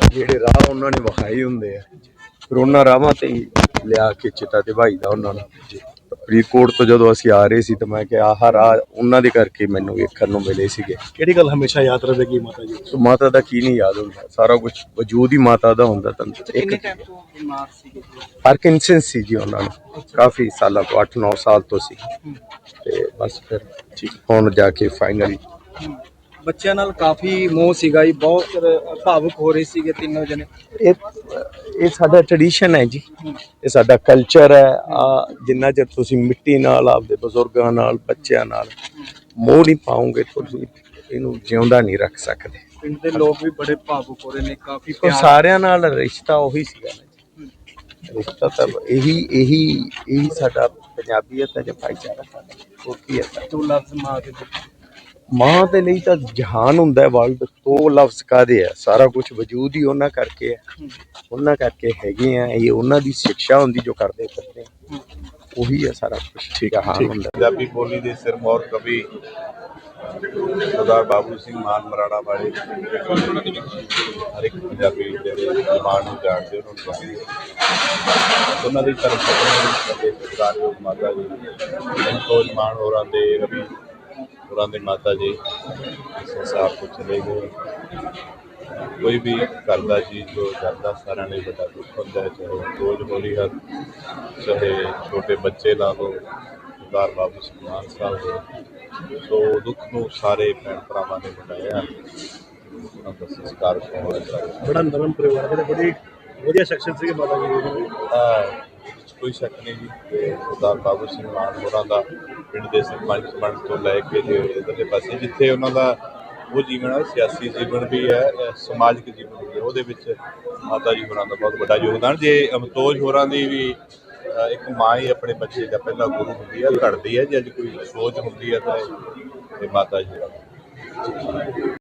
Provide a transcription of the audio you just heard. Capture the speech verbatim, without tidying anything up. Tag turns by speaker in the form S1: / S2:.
S1: ਜਿਹੜੇ ਰਾਹ ਉਹਨਾਂ ਨੇ ਵਿਖਾਏ ਹੁੰਦੇ ਆ, ਫਿਰ ਉਹਨਾਂ ਰਾਹਾਂ ਤੇ ਹੀ ਲਿਆ ਕੇ ਚਿਤਾ ਤੇ ਭਾਈ ਦਾ ਉਹਨਾਂ ਨੂੰ। ਫਰੀਦਕੋਟ ਤੋਂ ਜਦੋਂ ਅਸੀਂ ਆ ਰਹੇ ਸੀ ਤਾਂ ਮੈਂ ਕਿਹਾ ਆਹ ਰਾਹ ਉਹਨਾਂ ਦੇ ਕਰਕੇ ਮੈਨੂੰ ਵੇਖਣ ਨੂੰ ਮਿਲੇ ਸੀਗੇ।
S2: ਕਿਹੜੀ ਗੱਲ ਹਮੇਸ਼ਾ ਯਾਦ ਰਹੇਗੀ ਮਾਤਾ ਜੀ?
S1: ਸੋ ਮਾਤਾ ਦਾ ਕੀ ਨਹੀਂ ਯਾਦ ਹੁੰਦਾ, ਸਾਰਾ ਕੁਝ ਵਜੂਦ ਹੀ ਮਾਤਾ ਦਾ ਹੁੰਦਾ। ਤੁਹਾਨੂੰ
S3: ਕਿੰਨੇ ਟਾਈਮ ਤੋਂ ਬਿਮਾਰ ਸੀਗੇ?
S1: ਪਾਰਕਿੰਸਨ ਸੀ ਜੀ ਉਹਨਾਂ ਨੂੰ, ਕਾਫੀ ਸਾਲਾਂ ਤੋਂ, ਅੱਠ ਨੌ ਸਾਲ ਤੋਂ ਸੀ। ਤੇ ਬਸ ਫਿਰ ਹੁਣ ਜਾ ਕੇ ਫਾਈਨਲੀ
S3: ਬੱਚਿਆਂ ਨਾਲ ਕਾਫੀ ਮੋਹ ਸੀਗਾ ਜੀ, ਬਹੁਤ ਭਾਵੁਕ ਹੋ ਰਹੇ ਸੀਗੇ ਤਿੰਨੋਂ ਜਣੇ।
S1: ਇਹ ਇਹ ਸਾਡਾ ਟ੍ਰੈਡੀਸ਼ਨ ਹੈ ਜੀ, ਇਹ ਸਾਡਾ ਕਲਚਰ ਹੈ। ਆ ਜਿੰਨਾ ਚਿਰ ਤੁਸੀਂ ਮਿੱਟੀ ਨਾਲ, ਆਪਦੇ ਬਜ਼ੁਰਗਾਂ ਨਾਲ, ਬੱਚਿਆਂ ਨਾਲ ਮੋਹ ਨਹੀਂ ਪਾਓਗੇ, ਤੁਸੀਂ ਇਹਨੂੰ ਜਿਉਂਦਾ ਨਹੀਂ ਰੱਖ ਸਕਦੇ।
S3: ਪਿੰਡ ਦੇ ਲੋਕ ਵੀ ਬੜੇ ਭਾਵੁਕ ਹੋ ਰਹੇ ਨੇ, ਕਾਫੀ
S1: ਉਹ ਸਾਰਿਆਂ ਨਾਲ ਰਿਸ਼ਤਾ ਉਹੀ ਸੀਗਾ ਨਾ ਜੀ, ਰਿਸ਼ਤਾ ਤਾਂ ਇਹੀ ਇਹੀ ਇਹੀ ਸਾਡਾ ਪੰਜਾਬੀਅਤ ਹੈ ਜਾਂ ਭਾਈਚਾਰਾ ਸਾਡਾ, ਉਹ ਕੀ ਹੈ।
S3: ਦੋ ਲਫ਼ਜ਼ ਮਾਂ ਦੇ
S1: ਮਾਂ ਦੇ ਲਈ ਤਾਂ ਜਹਾਨ ਹੁੰਦਾ ਹੈ ਵਰਲਡ, ਦੋ ਲਫ਼ਜ਼ ਕਾਹਦੇ ਆ, ਸਾਰਾ ਕੁਝ ਵਜੂਦ ਹੀ ਉਹਨਾਂ ਕਰਕੇ ਹੈ, ਉਹਨਾਂ ਕਰਕੇ ਹੈਗੇ ਆ। ਇਹ ਉਹਨਾਂ ਦੀ ਸਿੱਖਿਆ ਹੁੰਦੀ ਜੋ ਕਰਦੇ ਕਰਦੇ ਉਹੀ ਹੈ ਸਾਰਾ ਕੁਝ। ਠੀਕ ਹੈ, ਹਾਂ ਹੁੰਦਾ।
S4: ਪੰਜਾਬੀ ਬੋਲੀ ਦੇ ਸਿਰਮੌਰ ਕਵੀ ਸਰਦਾਰ ਬਾਬੂ ਸਿੰਘ ਮਾਨ ਮਰਾੜਾ ਵਾਲੇ ਹਰ ਇੱਕ ਪੰਜਾਬੀ ਜਿਹੜੇ ਮਾਨ ਨੂੰ ਜਾਣਦੇ ਉਹਨਾਂ ਨੂੰ ਜਾਣਦੇ, ਉਹਨਾਂ ਦੀ ਧਰਮ ਪਤਨੀ ਸਰਦਾਰਯੋਗ ਮਾਤਾ ਜੀ ਸੰਤੋਸ਼ ਮਾਨ ਹੋਰਾਂ ਦੇ, ਰਵੀ ਹੋਰਾਂ ਦੇ ਮਾਤਾ ਜੀ ਇਸ ਸੰਸਾਰ ਤੋਂ ਚਲੇ ਗਏ। ਕੋਈ ਵੀ ਘਰ ਦਾ ਚੀਜ਼ ਜੋ ਕਰਦਾ ਸਾਰਿਆਂ ਲਈ ਵੱਡਾ ਦੁੱਖ ਹੁੰਦਾ ਹੈ, ਚਾਹੇ ਰੋਜ਼ ਹੋਲੀ ਹਰ, ਚਾਹੇ ਛੋਟੇ ਬੱਚੇ ਲਾ ਲਓ, ਸਰਦਾਰ ਬਾਬੂ ਸਿੰਘ ਮਾਨ ਸਾਹਿਬ ਦੇ। ਸੋ ਦੁੱਖ ਨੂੰ ਸਾਰੇ ਭੈਣ ਭਰਾਵਾਂ ਨੇ ਮਨਾਇਆ। ਉਹਨਾਂ ਦਾ ਸੰਸਕਾਰ
S2: ਬੜਾ ਨਰਮ ਪਰਿਵਾਰ ਦੇ, ਬੜੀ ਵਧੀਆ ਸੈਕਸ਼ਨ ਸੀਗੇ ਮਾਤਾ ਜੀ।
S4: ਕੋਈ ਸ਼ੱਕ ਨਹੀਂ ਜੀ ਕਿ ਸਰਦਾਰ ਬਾਬੂ ਸਿੰਘ ਮਾਨ ਹੋਰਾਂ ਦਾ ਪਿੰਡ ਦੇ ਸਰਪੰਚ ਬਣਨ ਤੋਂ ਲੈ ਕੇ ਜੇ ਇੱਧਰਲੇ ਪਾਸੇ ਜਿੱਥੇ ਉਹਨਾਂ ਦਾ ਉਹ ਜੀਵਨ ਹੈ, ਸਿਆਸੀ ਜੀਵਨ ਵੀ ਹੈ, ਸਮਾਜਿਕ ਜੀਵਨ ਵੀ ਹੈ, ਉਹਦੇ ਵਿੱਚ ਮਾਤਾ ਜੀ ਹੋਰਾਂ ਦਾ ਬਹੁਤ ਵੱਡਾ ਯੋਗਦਾਨ। ਜੇ ਅਮਤੋਜ ਹੋਰਾਂ ਦੀ ਵੀ ਇੱਕ ਮਾਂ ਹੀ ਆਪਣੇ ਬੱਚੇ ਦਾ ਪਹਿਲਾ ਗੁਰੂ ਹੁੰਦੀ ਹੈ, ਘੜਦੀ ਹੈ। ਜੇ ਅੱਜ ਕੋਈ ਸੋਚ ਹੁੰਦੀ ਹੈ ਤਾਂ ਇਹ ਮਾਤਾ ਜੀ ਹੋਰਾਂ ਦੀ।